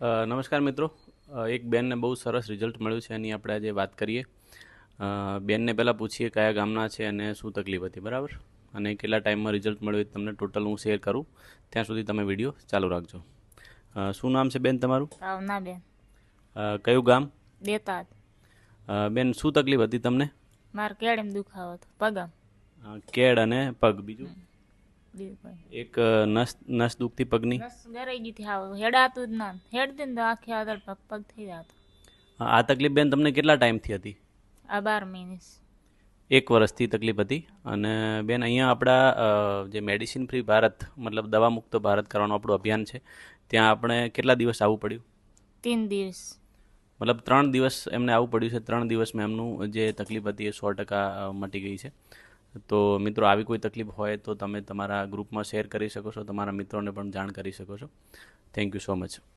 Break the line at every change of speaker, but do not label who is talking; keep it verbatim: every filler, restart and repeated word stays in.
અ, નમસ્કાર મિત્રો. અ, એક બેનને બહુ સરસ રિઝલ્ટ મળ્યું છે એની આપણે આજે વાત કરીએ. અ, બેનને પહેલાં પૂછીએ કયા ગામના છે અને શું તકલીફ હતી, બરાબર, અને કેટલા ટાઈમમાં રિઝલ્ટ મળ્યું એ તમને ટોટલ હું શેર કરું. ત્યાં સુધી તમે વિડીયો ચાલુ રાખજો. અ, શું નામ છે બેન તમારું?
ભાવનાબેન
અ, કયું ગામ?
દેતાદ.
અ, બેન શું તકલીફ હતી તમને?
મારે કેળેમ દુખાવો હતો પગમ.
અ, કેળ અને પગ, બીજું
હમ. બીજું કઈ
એક અ, નસ નસ દુખતી પગની.
નસ ગરાઈ ગઈ થી આવ હેડાતું જ ના હેડતી ને તો આખી આદર પગ પગ થઈ જતો.
અ, આ તકલીફ બેન તમને કેટલા ટાઈમથી હતી?
આ બાર મહિને
એક વર્ષથી તકલીફ હતી. અને બેન અહીંયા આપણા અ, જે મેડિસિન ફ્રી ભારત મતલબ દવા મુક્ત ભારત કરવાનું આપણું અભિયાન છે, ત્યાં આપણે કેટલા દિવસ આવવું પડ્યું?
तीन दिवस
મતલબ ત્રણ દિવસ એમને આવવું પડ્યું છે. ત્રણ દિવસમાં એમનું જે તકલીફ હતી એ સો ટકા અ, મટી ગઈ છે. તો મિત્રો, આવી કોઈ તકલીફ હોય તો તમે તમારા ગ્રુપમાં શેર કરી શકો છો, તમારા મિત્રોને પણ જાણ કરી શકો છો. Thank you so much.